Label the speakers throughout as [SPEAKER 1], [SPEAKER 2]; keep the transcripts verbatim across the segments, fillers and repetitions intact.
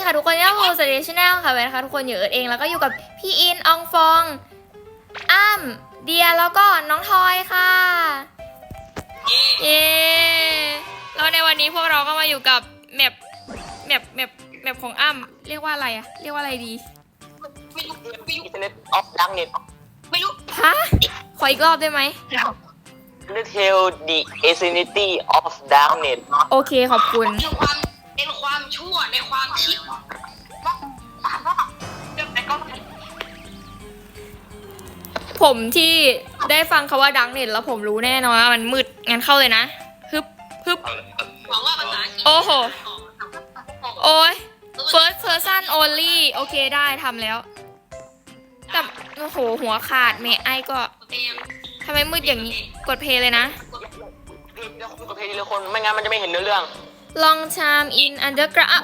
[SPEAKER 1] ค่ะทุกคนนี่คือสเตชันแนลค่ะเว้นนะคะทุกคนอยู่เอิร์ธเองแล้วก็อยู่กับพี่อินอองฟองอ้ำเดียแล้วก็น้องทอยค่ะเย้แล้วในวันนี้พวกเราก็มาอยู่กับแมปแมปแมปแมปของอ้ำเรียกว่าอะไรอะเรียกว่าอะไรดี
[SPEAKER 2] ไม่รู้ไม่รู้ Internet of Darknet ไม่รู้
[SPEAKER 1] ฮะขออีกรอบได้ไหม
[SPEAKER 2] Undertale the Insanity of Darknet
[SPEAKER 1] โอเคขอบคุณ
[SPEAKER 2] เป็นความเป็นความชั่วในความคิด
[SPEAKER 1] ผมที่ได้ฟังคำว่าดังเน็ตแล้วผมรู้แน่นอนว่ามันมืดงั้นเข้าเลยนะฮึบฮึบ
[SPEAKER 2] หวังว่าภาษาอังกฤษ
[SPEAKER 1] โอ้โหโอ้ย first person only โอเคได้ทำแล้วแต่โอ้โหหัวขาดเมย์ไอก็ทำไมมืดอย่างนี้กดเพลย์เลยนะ
[SPEAKER 2] เดี๋ยวคุณกับเพลงทีละคนไม่งั้นมันจะไม่เห็นเนื้อเรื่อง
[SPEAKER 1] Long time in underground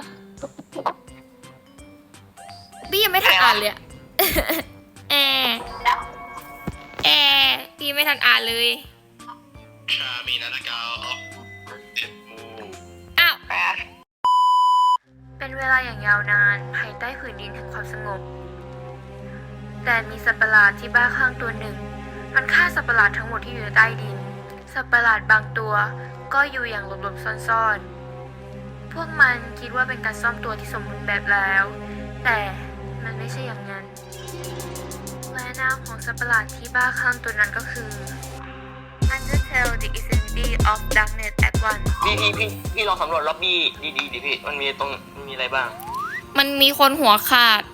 [SPEAKER 1] พี่ยังไม่ทันอ่านเลยแอแอพี่ไม่ทันอ่านเลย
[SPEAKER 3] ชามีนาฬิกาออกเจ็ดโมง
[SPEAKER 1] อ้าวเป็นเวลาอย่างยาวนานภายใต้ผืนดินแห่งความสงบแต่มีสัตว์ประหลาดที่บ้าคลั่งตัวหนึ่งมันฆ่าสัตว์ประหลาดทั้งหมดที่อยู่ใต้ดินสัตว์ประหลาดบางตัวก็อยู่อย่างหลบๆซ่อนๆพวกมันคิดว่าเป็นการซ่อมตัวที่สมบูรณ์แบบแล้วแต่มันไม่ใช่อย่างนั้นและนามของสัตว์ประหลาดที่บ้าคลั่งตัวนั้นก็คือ Undertale the Insanity of Darknet Act วัน
[SPEAKER 2] พี่พี่พี่พี่ลองสำรวจล็อบบี้ดีๆดิพี่มันมีตรงมีอะไรบ้าง
[SPEAKER 1] มันมีคนหัวขาด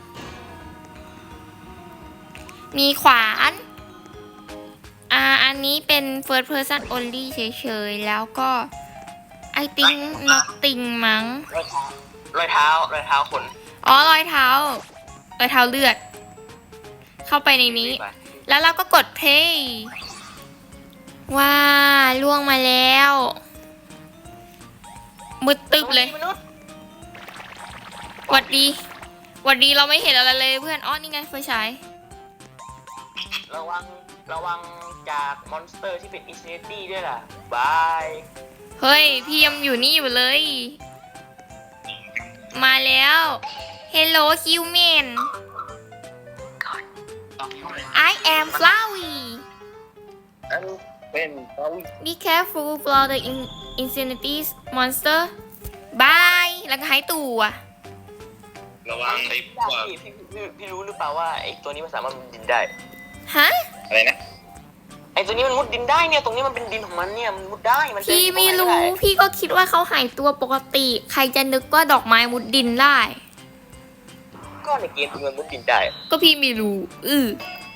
[SPEAKER 1] มีขวานอ่าอันนี้เป็น first person only เฉยๆแล้วก็ I think nothing มั้ง
[SPEAKER 2] รอยเท้ารอยเท้าขน
[SPEAKER 1] อ๋อรอยเท้ารอยเท้าเลือดเข้าไปในนี้แล้วเราก็กด play ว้าล่วงมาแล้วมืดตึ๊บเลยหวัดดีหวัดดีเราไม่เห็นอะไรเลยเพื่อนอ๋อนี่ไงไฟฉาย
[SPEAKER 2] ระวังระวังจากมอนสเตอร์ที่เป็น Insanity ด้วยล่ะบาย
[SPEAKER 1] เฮ้ยพี่ยังอยู่นี่อยู่เลยมาแล้ว Hello human I am Flowey
[SPEAKER 2] อันเป็น
[SPEAKER 1] Be careful for the Insanity monster Bye แล้วก็หายตัว
[SPEAKER 3] ระวังไอ้พวก
[SPEAKER 2] พี่พี่พี่พี่รู้หรือเปล่าว่าไอ้ตัวนี้มันสามารถมุดดินได้
[SPEAKER 1] ฮะ
[SPEAKER 3] อะไรนะ
[SPEAKER 2] ไอ้ตัวนี้มันมุดดินได้เนี่ยตรงนี้มันเป็นดินของมันเนี่ยมันมุดได้มัน
[SPEAKER 1] พี่ไม่รู้พี่ก็คิดว่าเขาหายตัวปกติใครจะนึกว่าดอกไม้มุดดินได้
[SPEAKER 2] ก็ในเกมมันมุดดินได้
[SPEAKER 1] ก็พี่ไม่รู้อือ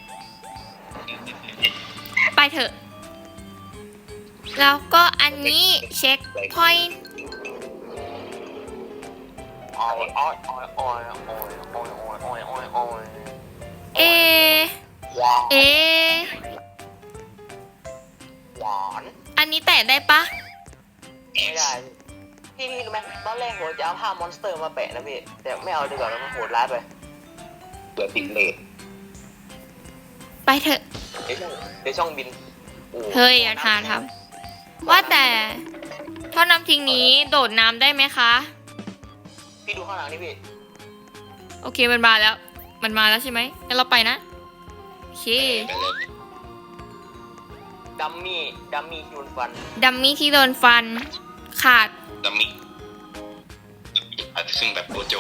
[SPEAKER 1] ไปเถอะแล้วก็อันนี้เช็คพอยต์
[SPEAKER 2] ออยออยออยออยออยออยออยออยออย
[SPEAKER 1] เอเอ
[SPEAKER 2] หวาน
[SPEAKER 1] อันนี้แตะได้ปะ
[SPEAKER 2] ไม่ได้พี่พี่รู้ไหมตอนแรกผมจะเอาภาพมอนสเตอร์มาแปะนะพี่แต่ไม่เอาดีกว่าแล้วมันโหดร้ายไป
[SPEAKER 3] เปิดติดเลท
[SPEAKER 1] ไปเถอะ
[SPEAKER 2] เดี๋ยวช่องเดี๋ยวช่องบิน
[SPEAKER 1] เฮ้ยอย่าทานทำว่าแต่ท่อน้ำทิ้งนี้โดดน้ำได้ไหมคะ
[SPEAKER 2] พี่ดูข้างหลังนี่พี่
[SPEAKER 1] โอเคมันมาแล้วมันมาแล้วใช่ไหมงั้นเราไปนะโอเค
[SPEAKER 2] ดัมมี่ดัมมี่ที่โดนฟัน
[SPEAKER 1] ดัมมี่ที่โดนฟันขาด
[SPEAKER 3] ดัมมี่อาจจะซึ่งแบบโกโจ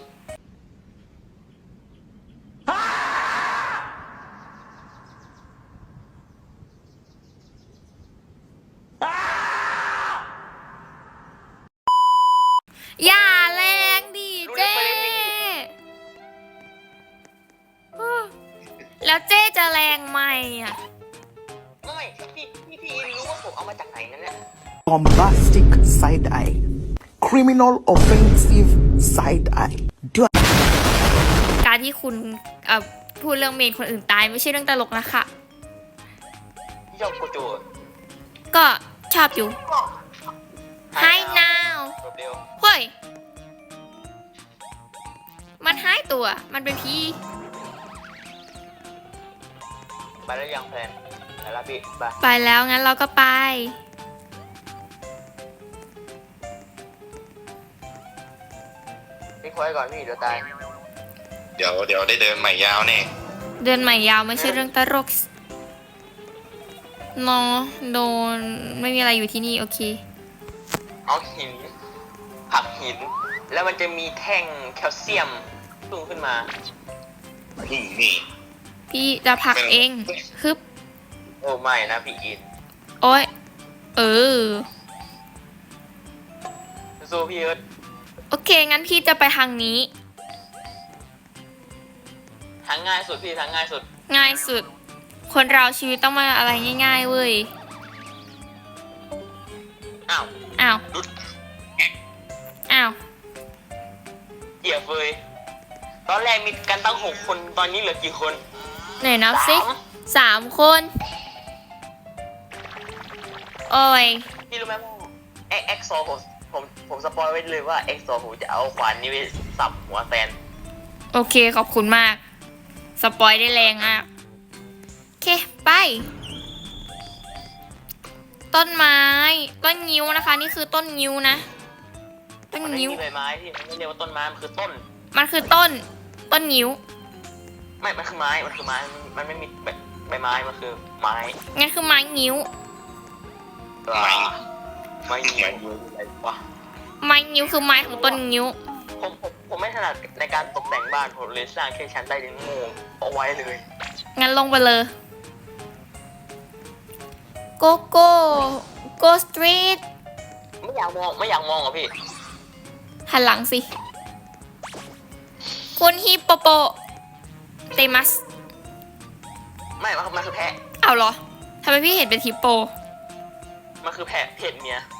[SPEAKER 1] อย่าแรงดิเจ๊แล้วเจ๊จะแรงไหมอ่ะ
[SPEAKER 2] ไม่พี่พี่พี่รู้ว่าผมเอามาจากไหนนั่นเนี่ย
[SPEAKER 4] bombastic side eye criminal offensive side eye
[SPEAKER 1] การที่คุณเอ่อพูดเรื่องเมนคนอื่นตายไม่ใช่เรื่องตลกนะคะ
[SPEAKER 2] ชอบโกโจ
[SPEAKER 1] ก็ชอบอยู่ Hi now เฮ้ยมันหายตัวมันเป็นผี
[SPEAKER 2] ไปแล้วยังแพนไปแล้วพี่ไป
[SPEAKER 1] ไปแล้วงั้นเราก็ไป
[SPEAKER 2] ไว้ก่อนพี่เดี๋ยวตาย
[SPEAKER 3] เดี๋ยวเดี๋ยวได้เดินใหม่ยาวแน่
[SPEAKER 1] เดือนใหม่ยาวไม่ใช่เรื่องตลกเนอะโดนไม่มีอะไรอยู่ที่นี่โอเค
[SPEAKER 2] เอาหินผลักหิน แล้วมันจะมีแท่งแคลเซียมพุ่งขึ้นมา
[SPEAKER 3] นี่นี่
[SPEAKER 1] พี่จะผลักเองฮึบ
[SPEAKER 2] โอ้ไม่นะพี่อิน
[SPEAKER 1] โอ้ยเออ
[SPEAKER 2] สู้พี่เอิร์ธ
[SPEAKER 1] โอเคงั้นพี่จะไปทางนี้
[SPEAKER 2] ทางง่ายสุดพี่ทางง่ายสุด
[SPEAKER 1] ง่ายสุด คนเราชีวิตต้องมาอะไรง่ายๆเว้ย
[SPEAKER 2] อ้าว
[SPEAKER 1] อ้าว
[SPEAKER 2] รุด
[SPEAKER 1] อ้าว
[SPEAKER 2] เกียร์เฟยตอนแรกมีกันตั้งหกคนตอนนี้เหลือกี่คน
[SPEAKER 1] ไหนนับสิ
[SPEAKER 2] สาม
[SPEAKER 1] สามคน โอ้ย
[SPEAKER 2] พี่รู้ไหมว่าเอ็กเอ็กซอผมผมผมสปอยไว้เลยว่าเอ็กซอผมจะเอาขวานนี้ไปสับหัวแตน
[SPEAKER 1] โอเคขอบคุณมาก สปอยได้แรงอ่ะ โอเค ไป ต้นไม้ ต้นงิ้วนะคะ นี่คือต้นงิ้วนะ ต้น
[SPEAKER 2] มันไม่
[SPEAKER 1] งิ้ว
[SPEAKER 2] มีใบไม้ที่มันไม่เรียกว่าต้นไม้มันคือต้น
[SPEAKER 1] มันคือต้น ต้นงิ้ว
[SPEAKER 2] ไม่ มันคือไม้ มันคือไม้ มันไม่มีใบใบไม้ มันคือไม้
[SPEAKER 1] งั้นคือไม้งิ้ว
[SPEAKER 2] ไม้ไม้ยิงอะไรวะ
[SPEAKER 1] ไม้งิ้วคือไม้ของต้นงิ้ว
[SPEAKER 2] ผมผมผมไม่ถนัดในการตกแต่งบ้านผมเลยสร้างแค่ชั้นใต้ดินโง่เอาไว้เลย
[SPEAKER 1] งั้นลงไปเลย โกโก้โกสตรีท
[SPEAKER 2] ไม่อยากมองไม่อยากมองอ่ะพี่
[SPEAKER 1] หันหลังสิ คุณฮิปโปโปเตมัส
[SPEAKER 2] ไม่มันมันคือแพะ
[SPEAKER 1] เอาเหรอ ทำไมพี่เห็นเป็นฮิปโป
[SPEAKER 2] มันคือแพะเพศเมีย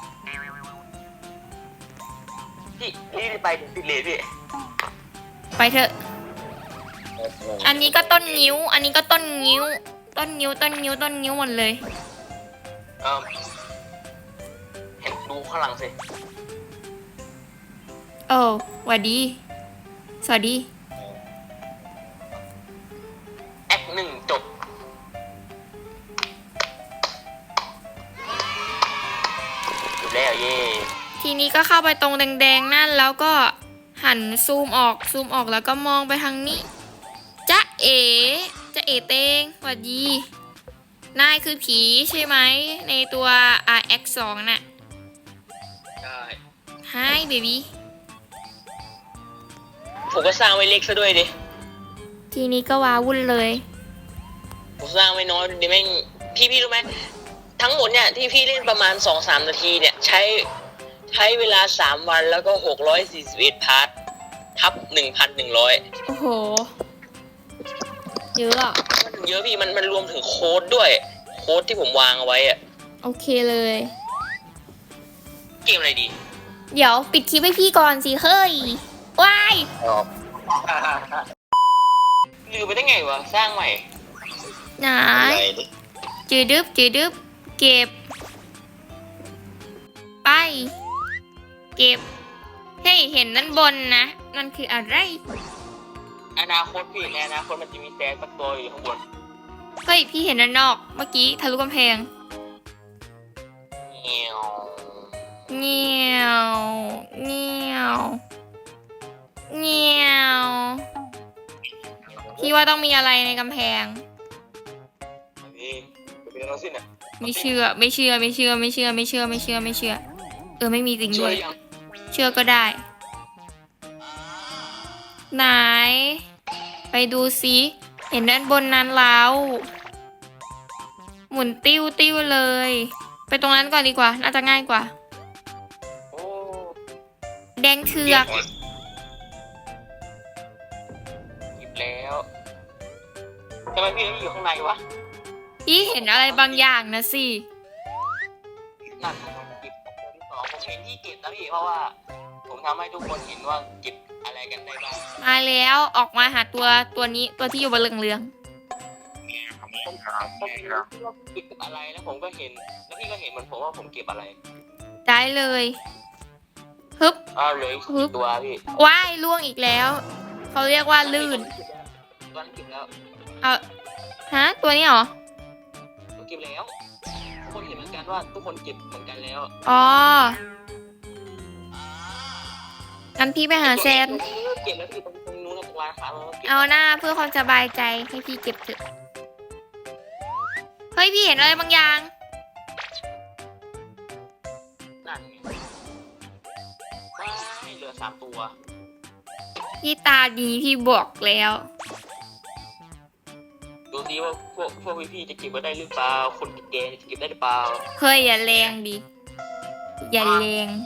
[SPEAKER 2] พี่พี่ไปถึงติดเลยพี่
[SPEAKER 1] ไปเถอะ อันนี้ก็ต้นงิ้ว อันนี้ก็ต้นงิ้ว ต้นงิ้ว ต้นงิ้ว ต้นงิ้วหมดเลย
[SPEAKER 2] เออเห็นดูข้างหลังสิ
[SPEAKER 1] โอ้หวัดดี สวัสดี
[SPEAKER 2] แอคหนึ่งจบจบแล้วเย่
[SPEAKER 1] ทีนี้ก็เข้าไปตรงแดงๆนั่นแล้วก็หันซูมออก ซูมออกแล้วก็มองไปทางนี้ จ๊ะเอ๋จ๊ะเอ๋เตงสวัสดี นายคือผีใช่ไหม ในตัว อาร์ เอ็กซ์ สอง น่ะ
[SPEAKER 2] ใช่
[SPEAKER 1] Hi baby
[SPEAKER 2] ผมก็สร้างไว้เล็กซะด้วยดิ
[SPEAKER 1] ทีนี้ก็ว้าวุ่นเลย
[SPEAKER 2] ผมสร้างไว้น้อยดิแม่งพี่พี่รู้ไหมทั้งหมดเนี่ยที่พี่เล่นประมาณสองสามนาทีเนี่ยใช้ใช้เวลาสามวันแล้วก็หกร้อยสี่สิบเอ็ดพาร์ททับหนึ่งพันหนึ่งร้อย
[SPEAKER 1] โอ้โห เยอะอะ
[SPEAKER 2] มันเยอะพี่มันมันรวมถึงโค้ดด้วย โค้ดที่ผมวางเอาไว้อะ
[SPEAKER 1] โอเคเลย
[SPEAKER 2] เกมอะไรดี
[SPEAKER 1] เดี๋ยวปิดคลิปให้พี่ก่อนสิเฮ้ย ว้าย
[SPEAKER 2] ลืมไปได้ไงวะสร้างใหม่
[SPEAKER 1] ไหน
[SPEAKER 3] อะไรดิ
[SPEAKER 1] จืดดึบจืดดึบเก็บ ไป เก็บ เฮ้ย เห็นนั่นบนนะ นั่นคืออะไร
[SPEAKER 2] อนาคตพี่ในอนาคตมันจะมีแซนสักตัวอยู่ข้างบน
[SPEAKER 1] เฮ้ย พี่เห็นด้านนอก เมื่อกี้ทะลุกำแพง
[SPEAKER 2] เงี้ยว
[SPEAKER 1] เงี้ยวเงี้ยวเงี้ยวพี่ว่าต้องมีอะไรในกำแพง
[SPEAKER 2] นี่เป็นอะไรสิเนี่ย
[SPEAKER 1] ไม่เชื่อ ไม่เชื่อ ไม่เชื่อ ไม่เชื่อ ไม่เชื่อ ไม่เชื่อ ไม่เชื่อ เออ ไม่มีจริง
[SPEAKER 2] ช่
[SPEAKER 1] ด้
[SPEAKER 2] ว
[SPEAKER 1] วย ย
[SPEAKER 2] ยัง
[SPEAKER 1] เชื่อก็ได้ ไหน ไปดูซิเห็นด้านบนนั้นแล้ว หมุนติ้วติ้วเลย ไปตรงนั้นก่อนดีกว่า น่าจะง่ายกว่า
[SPEAKER 2] โอ้
[SPEAKER 1] แดงเถือก
[SPEAKER 2] หยิบแล้วทำไมพี่ต้องอยู่ข้างในวะ
[SPEAKER 1] พี่เห็นอะไรบางอย่างนะสิ
[SPEAKER 2] นั่นผมเก็บตัวที่สองผมเห็นที่เก็บนะพี่เพราะว่า ผมทำให้ทุกคนเห็นว่าเก็บอะไรกันได้บ้าง
[SPEAKER 1] มาแล้วออกมาหาตัวตัวนี้ตัวที่อยู่บนเหลือง
[SPEAKER 2] ผมเห็นว่าเก็บอะไรแล้วผมก็เห็น แล้วพี่ก็เห็นเหมือนผมว่าผมเก็บอะไร
[SPEAKER 1] ๆได้เลยฮึบ
[SPEAKER 2] อ้าวเหลย
[SPEAKER 1] ฮึบ
[SPEAKER 2] ตัวพี่
[SPEAKER 1] ว้ายล่วงอีกแล้ว เขาเรียกว่าลื่น
[SPEAKER 2] ตัวนั้นเก็บแล้ว
[SPEAKER 1] เอาฮะตัวนี้เหรอ
[SPEAKER 2] ผมเก็บแล้วทุกคนเห็นเหมือนกันว่าทุกคนเก็บเหมือนกันแล้ว
[SPEAKER 1] อ๋องั้นพี่ไปหาแซน
[SPEAKER 2] เก็บแล้วพี่ตรงตรงนู้นตรงร้านค้ามันก็เก็บ
[SPEAKER 1] เอาหน้าเพื่อความสบายใจให้พี่เก็บเถอะเฮ้ยพี่เห็นอะไรบางอย่าง
[SPEAKER 2] นั่นไงไม่เหลือสามตัว
[SPEAKER 1] พี่ตาดีพี่บอกแล้ว
[SPEAKER 2] ดูซิว่าพวกพวกพี่ๆจะเก็บไว้ได้หรือเปล่าคนแก่ๆจะเก็บได้หรือเปล่า
[SPEAKER 1] เฮ้ยอย่าแรงดิ อย่าแรง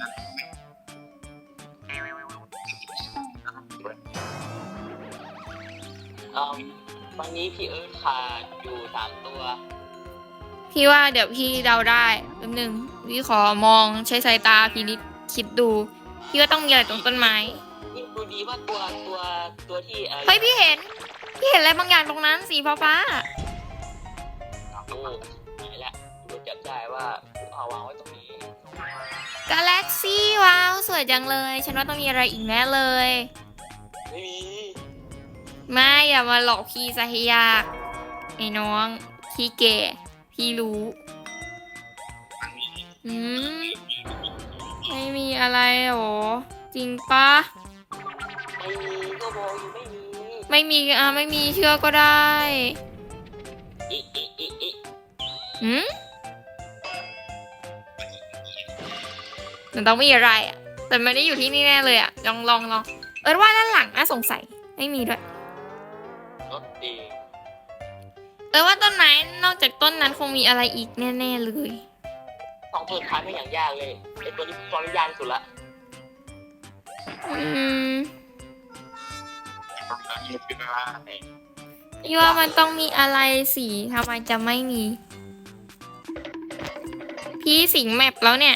[SPEAKER 2] เอ่อวันนี้พี่เอิร์ธขาดอยู่สามตัว
[SPEAKER 1] พี่ว่าเดี๋ยวพี่เดาได้แป๊บหนึงพี่ขอมองใช้สายตาพี่นิดคิดดู พี่ว่าต้องมีอะไรตรงต้นไม้
[SPEAKER 2] นี่ดูดีว่าตัวตัวตัวที่อ่อ
[SPEAKER 1] เฮ้ยพี่เห็น พี่เห็นอะไรบางอย่างตรงนั้นสีฟ้า
[SPEAKER 2] โอ้ไหนละดูจับได้ว่าผมเอาวางไว้ตรงนี้
[SPEAKER 1] ๆกาแล็กซี่ว้าวสวยจังเลย ฉันว่าต้องมีอะไรอีกแน่เลย
[SPEAKER 2] ไม่มี
[SPEAKER 1] ไม่อย่ามาหลอกพี่ซะให้ยากไอ้น้องพี่แก่พี่รู้อืมไม่มีอะไรหรอจริงปะ
[SPEAKER 2] ไม่มีก็บอกอยู่ไม่มี
[SPEAKER 1] ไม่มีอ่ะไม่มีเชื่อก็ได้
[SPEAKER 2] อิอิอิอิ
[SPEAKER 1] หืมมันต้องมีอะไรอ่ะแต่ไม่ได้อยู่ที่นี่แน่เลยอ่ะลองลองลองเออว่าด้านหลังน่าสงสัยไม่มีด้วย
[SPEAKER 2] รถเอง
[SPEAKER 1] เออว่าต้นไม้นอกจากต้นนั้นคงมีอะไรอีกแน่ๆเลย
[SPEAKER 2] สองตัวท้ายไม่อย่างยากเลยไอตัวนี้ตอนนี้ยากที่สุดละ
[SPEAKER 1] อืม
[SPEAKER 3] ยี่สิบห้าเอง
[SPEAKER 1] พี่ว่ามันต้องมีอะไรสิทำไมจะไม่มี พี่สิงแมปแล้วเนี่ย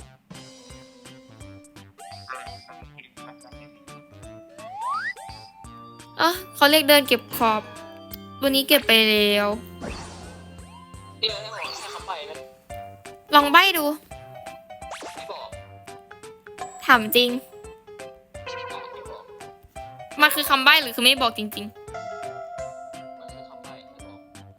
[SPEAKER 1] เออเขาเรียกเดินเก็บขอบตัวนี้เก็บไปแล้ว
[SPEAKER 2] เดี๋ยวให้บอกให้เขาไปนะ
[SPEAKER 1] ลองใบ้ดู
[SPEAKER 2] ไม่บอก
[SPEAKER 1] ถามจริง
[SPEAKER 2] ไม่บอก
[SPEAKER 1] มันคือคำใบ้หรือคือไม่บอกจริง
[SPEAKER 2] มันคือเขาไปไม่บอก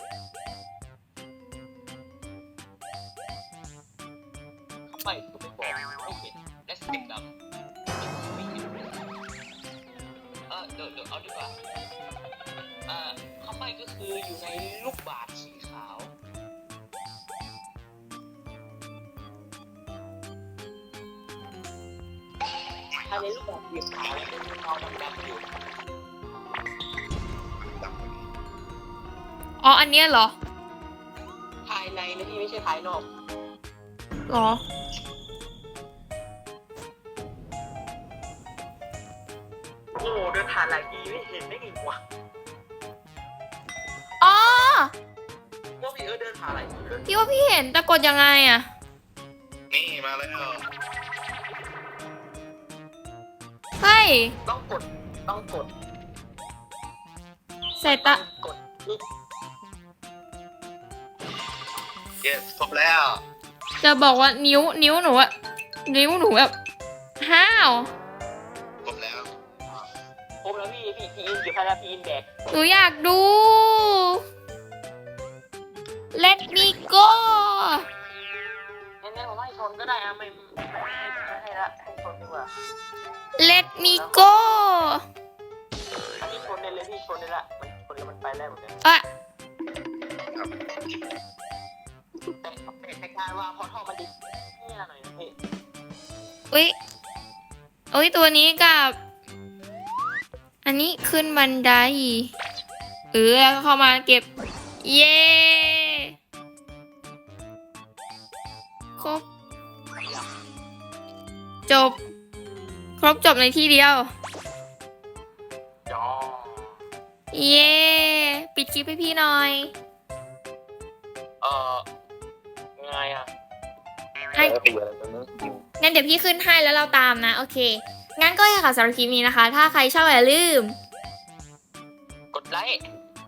[SPEAKER 2] เขาไปคือไม่บอกไม่เห็นและสเต็ปดำไม่เห็นเออเดี๋ยวเดี๋ยวเอาดีกว่าเอ่อเขาไปก็คืออยู่ในลูกบาศก์สีขาวภายในลูกบาศก์สีขาวแล้วเป็นเงาดำๆอยู่
[SPEAKER 1] ๆ อ๋อ อันเนี้ยเหรอ
[SPEAKER 2] ภายในนะพี่ไม่ใช่ภายนอก
[SPEAKER 1] เหรอ
[SPEAKER 2] โอ้เดินผ่านหลายทีไม่เห็นได้ไงวะ
[SPEAKER 1] อ๋อ
[SPEAKER 2] ว่าพี่เอิร์ธเดินผ่านหลายทีเลย
[SPEAKER 1] พี่ว่าพี่เห็นแต่กดยังไงอะ
[SPEAKER 3] นี่มาแล้ว
[SPEAKER 1] เฮ้ย
[SPEAKER 2] ต้องกดต้องกด
[SPEAKER 1] สายตา
[SPEAKER 2] กดปึ๊บ
[SPEAKER 3] เยสครบแล้ว
[SPEAKER 1] จะบอกว่านิ้วนิ้วหนูอะนิ้วหนูแบบห้าว
[SPEAKER 3] ครบแล้ว
[SPEAKER 2] ครบแล้วพี่พี่พี่อินอยู่ภายในพี่อินแบก
[SPEAKER 1] หนูอยากดู Let me go
[SPEAKER 2] งั้นๆผมให้ชนก็ได้อะไม่ไม่ไม่ให้ละให้ชนดีกว่า
[SPEAKER 1] Let me go
[SPEAKER 2] อันนี้ชนได้เลยพี่ชนได้ละมันชนแล้วมันไปได้หมดเลย
[SPEAKER 1] อะ
[SPEAKER 2] แต่แต่คล้ายๆว่าพอท่อมันดิเนี่ยหน่อยนะพี่
[SPEAKER 1] อุ้ยอุ้ยตัวนี้กับ อันนี้ขึ้นบันไดเออแล้วก็เข้ามาเก็บ เย้ครบ จบ ครบจบในที่เดียว
[SPEAKER 2] จอ
[SPEAKER 1] เย้ ปิดคลิปให้พี่หน่อย
[SPEAKER 2] เอ่อไงอ่ะ
[SPEAKER 1] ให้งั้นเดี๋ยวพี่ขึ้นให้แล้วเราตามนะ โอเค งั้นก็อย่าค่ะสำหรับคลิปนี้นะคะ ถ้าใครชอบอย่าลืม
[SPEAKER 2] กดไลค์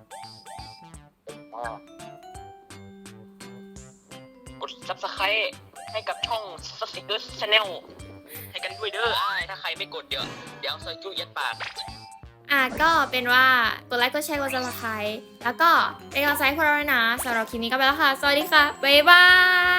[SPEAKER 2] กด ซับสไครบ์ ให้กับช่อง สติกเกอร์ ชาแนล ให้กันด้วยเด้ออ้ายถ้าใครไม่กดเดี๋ยว เดี๋ยวเอาซอยจุยัดปาก
[SPEAKER 1] อ่ะก็เป็นว่ากดไลค์กดแชร์กดซับสไครต์แล้วก็เป็นกำลังใจให้พวกเราด้วยนะสำหรับคลิปนี้ก็ไปแล้วค่ะ สวัสดีค่ะ บ๊ายบาย